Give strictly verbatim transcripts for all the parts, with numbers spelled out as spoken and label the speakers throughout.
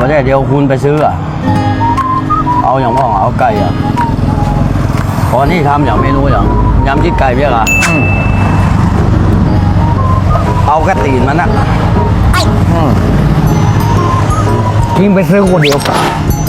Speaker 1: ก็ได้เดี๋ยวคุณไปซื้ออะเอาอย่างว่าเอาไก่อะพอนี่ทำอย่างเมนูอย่างยำจิ้นไก่เพี้ยอะเอากระตีนมันนะ
Speaker 2: ทิ้งไปซื้อคนเดียวกัน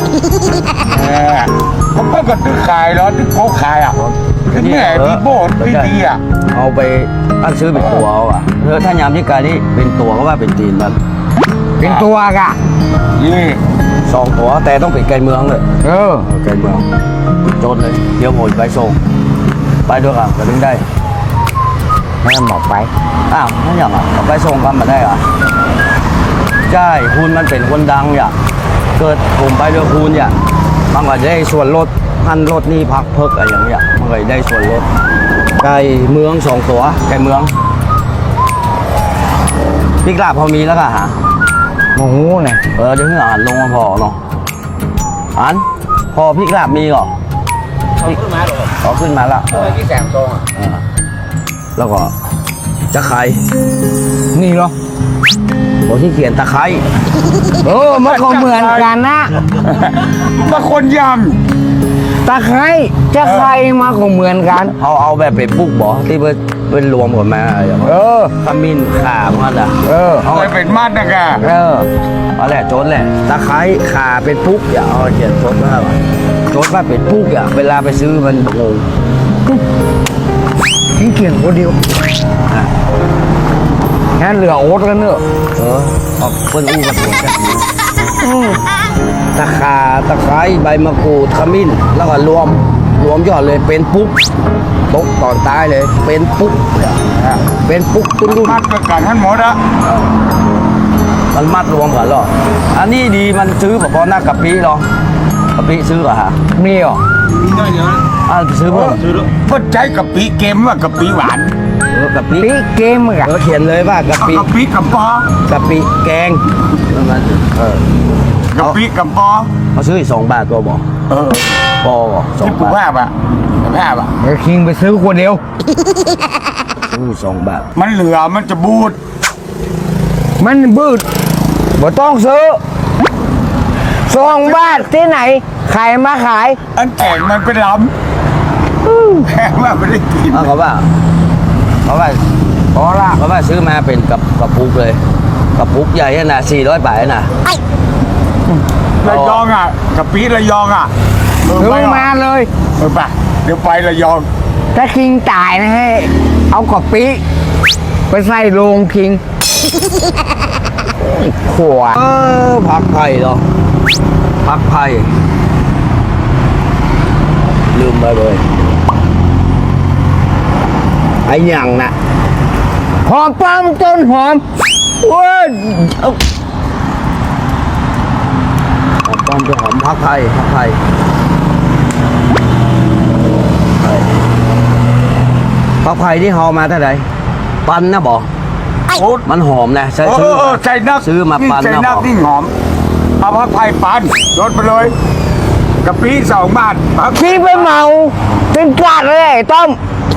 Speaker 3: มันก็ตื้อขายแล้วตื้อเขาขายอ่ะคือแม่ที่โบสถ์ที่ดีอ่ะ
Speaker 1: เอาไปอันซื้อเป็นตัวเอาอ่ะเออถ้ายำจิ้นไก่นี่เป็นตัวก็ว่าเป็นตีนมัน
Speaker 2: เป็นตัวกะ
Speaker 3: นี่
Speaker 1: สองตัวแต่ต้องเป็นไก่เมืองเลย
Speaker 2: เออ
Speaker 1: ไก่เมืองโจทย์เลยเดี๋ยวผมไปส่งไปด้วยกันก็ถึงได้
Speaker 2: แม่หมอกไป
Speaker 1: อ้าวนั่นอย่างอ่ะเอาไปส่งกันมาได้เหรอใช่คุณมันเป็นคนดังอย่างเกิดผมไปด้วยคุณอย่างมันก็ได้ส่วนลดพันลดนี่พักเพิกอะไรอย่างเงี้ยมันก็ได้ส่วนลดไก่เมืองสองตัวไก่เมืองพี่กล้าพอมีแล้วก็หา
Speaker 2: โมโหเนี่ย
Speaker 1: เออเดี๋ยวอ่านลงมาพอเนาะอ่านพอพี่กล้ามีเหรอเขาขึ้นมาหรอเขาขึ้นมาละเออที่แสงตรงอ่ะแล้วก็จะใคร
Speaker 2: นี่เหรอ
Speaker 1: ผมที่เขียนตะไคร้
Speaker 2: เออมันก็เหมือนกันนะ
Speaker 3: มาคนย
Speaker 2: ตะไคร้จะใครมาก็เหมือนกัน
Speaker 1: เขาเอาแบบไปปลูกบ่ที่เป็นเป็นรวมกันมาอย่าง
Speaker 2: เออ
Speaker 1: ขมิ้นข่ามันอ่ะ
Speaker 2: เออ
Speaker 3: ำเคยเป็นมาดนะแก
Speaker 2: เออ
Speaker 1: เอาแหละโจนแหละตะไคร้ข่าเป็นปุ๊กอย่าเอาเขียนโจนมาก่อนโจนว่าเป็นปุ๊กอย่าเวลาไปซื้อมันงง
Speaker 2: ทิ้งเกียงคนเดียว
Speaker 1: อ่ะ
Speaker 2: แค่เหลือโอ๊ตแล้วเนอะ
Speaker 1: เออเอาเปิ้นอู้กับผมกันตะขาตะไคร้ใบมะกรูดขมิ้นแล้วก็รวมรวมยอดเลยเป็นปุ๊กตกตอนตายเลยเป็นปุ๊กเนี่ยเป็นปุ๊กตุ้นรุ่น
Speaker 3: มัดกับกันทั้งหมดอ่ะ
Speaker 1: มันมัดรวมกันหรออันนี้ดีมันซื้อแบบพอหน้ากะปิหรอกะปิซื้อเหรอฮะ
Speaker 2: มีเหรอ
Speaker 1: อ่าซื้อเพิ่ม
Speaker 3: เพื่อใช้กะปิเค็มว่ากะปิหวาน
Speaker 1: เออกะปิ
Speaker 2: ปีเกมอะ
Speaker 1: เออเขียนเลยว่ากะปิ
Speaker 3: กะปิกับปอก
Speaker 1: ะปิแกงมันเออก
Speaker 3: ะปิกับปอ
Speaker 1: เขาซื้ออีกสองบาทก็บอก
Speaker 3: เออ
Speaker 1: ปอบอกสอง
Speaker 3: ที่ปู
Speaker 1: บาท
Speaker 3: แพบอ่ะแพบอ่ะ
Speaker 2: เดี๋ยวทิ้งไปซื้อคนเดียว
Speaker 1: ซื้อสองบาท
Speaker 3: มันเหลือมันจะบูด
Speaker 2: มันบืดบ่ต้องซื้อสองบาทที่ไหนใครมาขาย
Speaker 3: อันแก่งมันเป็นลำแข็งว่าไม่ได้กิน
Speaker 1: อ้าวเขาว่าเขาว่า
Speaker 2: พอละ
Speaker 1: เขาว่าซื้อมาเป็นกับกระปุกเลยกระปุกใหญ่น่ะสี่ร้อยบาทน่ะ
Speaker 3: ระยองอ่ะกะปิระยองอ่ะเออ
Speaker 2: ซื้
Speaker 3: ไป
Speaker 2: อ
Speaker 3: อ่ะ
Speaker 2: มาเลย
Speaker 3: เออไปเดี๋ยวไประยอง
Speaker 2: ถ้าคิงตายนะให้เอากะปิไปใส่โรงคิงขวด
Speaker 1: เออผักไผ่เหรอผักไผ่ลืมไปเลยไอ้หยังน่ะ
Speaker 2: หอมป้อมต้นหอมเว้ย
Speaker 1: หอมป้อมจะหอมผักไผ่ผักไผ่ผักไผ่ที่หอมมาเท่าไหร่ปันนะบอก
Speaker 3: โอ้
Speaker 1: มันหอมนะใช่
Speaker 3: เอ
Speaker 1: ซื้อ
Speaker 3: อเออใส่นัก
Speaker 1: ซื้อมาปัน
Speaker 3: ใส่
Speaker 1: นะ
Speaker 3: นัก
Speaker 1: บอก
Speaker 3: ที่หอมเอาผักไผ่ปันลดไปเลยกะปิสองบาทผัก
Speaker 2: พี่ไปเมาเป็นกาดเลยไอ้ต้อม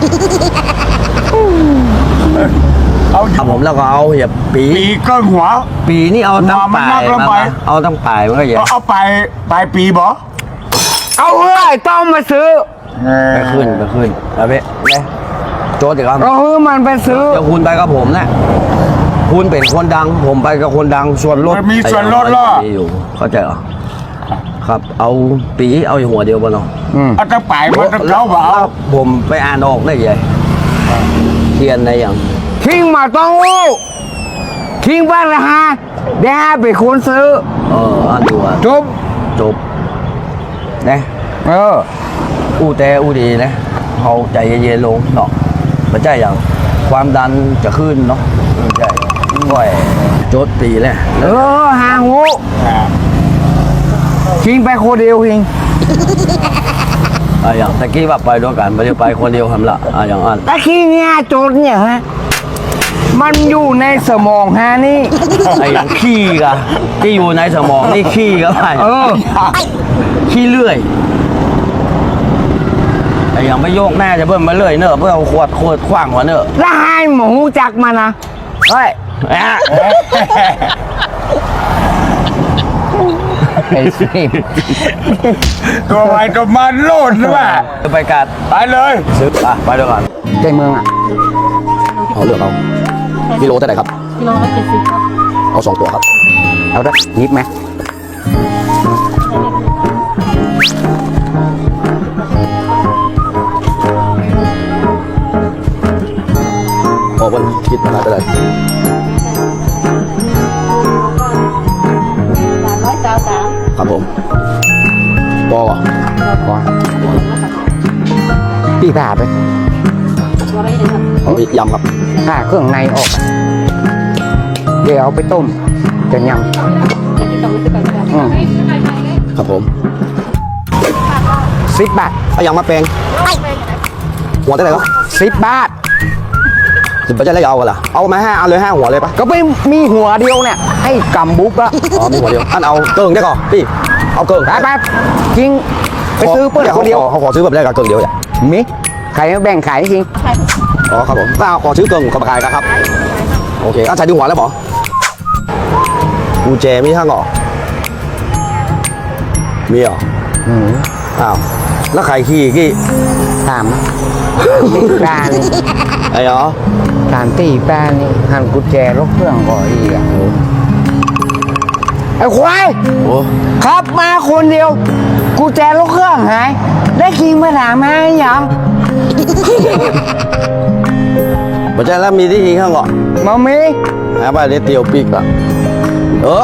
Speaker 3: เอา
Speaker 1: ครับผมแล้วก็เอาเหียบปี
Speaker 3: ปีก็หัว
Speaker 1: ปีนี่เอาตั้ง
Speaker 3: หัวมัน
Speaker 1: ปลาย
Speaker 3: นักลง
Speaker 1: มา
Speaker 3: ไป
Speaker 1: เอาตั้งปลายมันก็เหียบ
Speaker 3: เอาไปปลายปีบ่
Speaker 2: เอาเฮ้ยไอ้ต้อมมาซื้อ
Speaker 1: ไปขึ้นไปขึ้นเอาไปเนี่ยโจทย์เดี๋ยวครับ
Speaker 2: เอาเฮ้ยมันไปซื้อ
Speaker 1: เดี๋ยวคุณไปกับผมนะคุณเป็นคนดัง ผมไปกับคนดังส่วนลด
Speaker 3: มันมีส่วนลดเหรอ
Speaker 1: มีอยู่เข้าใจเหรอครับเอาปีเอาอยู่หัวเดียวป่ะเนาะ
Speaker 3: เอาตั้งปลายมันตั้งเท้าบ่า
Speaker 1: แล้วผมไปอ่านออกได้ยังไงเทียนในอย่าง
Speaker 2: ทิ้งมาต้องอู้ทิ้งบ้านละฮะเดี๋ยวฮะไปคนซื้อ
Speaker 1: เอออ่านดูว่า
Speaker 2: จบ
Speaker 1: จบนะ
Speaker 2: เออ
Speaker 1: อู้แต่อู้ดีนะเขาใจเย็นๆลงเนาะไม่ใช่อย่างความดันจะขึ้นเนาะไม่ใช่ก้อยโจทย์ปีเลย
Speaker 2: เออหาหูทิ้งไปคนเดียวทิ้ง
Speaker 1: อ่ะอย่างตะกี้ว่าไปด้วยกันไม่ได้ไปคนเดียวทำละอ่ะอย่างอัน
Speaker 2: ตะขี้เนี่ยโจทย์เนี่ยฮะมันอยู่ในสมองฮะนี่
Speaker 1: ไอ้อย่างขี้กะที่อยู่ในสมองนี่ขี้ก็ไป
Speaker 2: เออ
Speaker 1: ขี้เลื่อยไอ้อย่างไม่โยกหน้าจะเบิ่มมาเลื่อยเนอะเพื่อเอาขวดขวดขว้างหัวเนอะ
Speaker 2: แล้วให้หมูจักมานะเฮ้ย
Speaker 1: อ่ะ
Speaker 2: ไอ้สิบ
Speaker 3: ตัวไวตัวมันโลดหรือเปล่า
Speaker 1: จะไปกัด
Speaker 3: ไปเลย
Speaker 1: ซื้ออ่ะไปด้วยกัน
Speaker 2: ใจเมืองอ่ะ
Speaker 1: เอาเลือกเอากิโลเท่าไหร่ครับ
Speaker 4: กิโลละเจ็ดสิบครับ
Speaker 1: เอาสองตัวครับ
Speaker 2: เอาด้วยยิบไหม
Speaker 1: โอ้คนคิดมาได้เลย
Speaker 4: สามร้อยเก้าสาม
Speaker 1: ครับผมปอ
Speaker 2: พอพี่ผ่าไป
Speaker 4: ตัวอะไรเนี่ยครับ
Speaker 1: เอาไปยำครับ
Speaker 2: ผ่าเครื่องในออกอะเดี๋ยวเอาไปต้มจะย
Speaker 4: ที่ต้องซื้อไปก็ได้
Speaker 2: ำอืม
Speaker 1: ครับผม
Speaker 2: สิบบาท
Speaker 1: เอายำมาแปลงหัวเท่าไหร่ครับ
Speaker 2: สิบบาท
Speaker 1: สิบปัจจัยแล้วเอากันล่ะเอามาห้าเอาเลยห้าหัวเลยปะ
Speaker 2: ก็ไม่มีหัวเดียวเนี่ย ให้กำบุ๊กละ
Speaker 1: อ๋อมีหัวเดียวอันเอาเกิงได้ก่อนพี่เอาเกิง
Speaker 2: ไปไปจริง ไปซื้อเปิ้ล
Speaker 1: เขา
Speaker 2: คนเดียว
Speaker 1: เขาขอซื้อแบบได้กับเกิงเดียวอย่าง
Speaker 2: มิใครมาแบ่งขายจริง
Speaker 1: อ๋อครับผมถ้าขอซื้อเกิงเขาขายครับโอเคอ่ะใส่ดูหัวแล้วหมอกูแจมีทั้งหรอมีเหรอ
Speaker 2: อืม
Speaker 1: อ้าวแล้วใครขี้ขี้
Speaker 2: ถามตีป้านี่
Speaker 1: ไอ้เหรอ
Speaker 2: ถามตีป้านี่หันกุญแจรถเครื่องก่อนอีกอ่ะไอ้ควาย
Speaker 1: โอ้
Speaker 2: ขับมาคนเดียวกุญแจรถเครื่องหาย ได้ขี่มาถามมาอย่าง
Speaker 1: ปัจจัยแล้วมีที่ขี้ข้างหรอ
Speaker 2: มามี
Speaker 1: หาบ้านเดียวเตียวปีกอ่ะเออ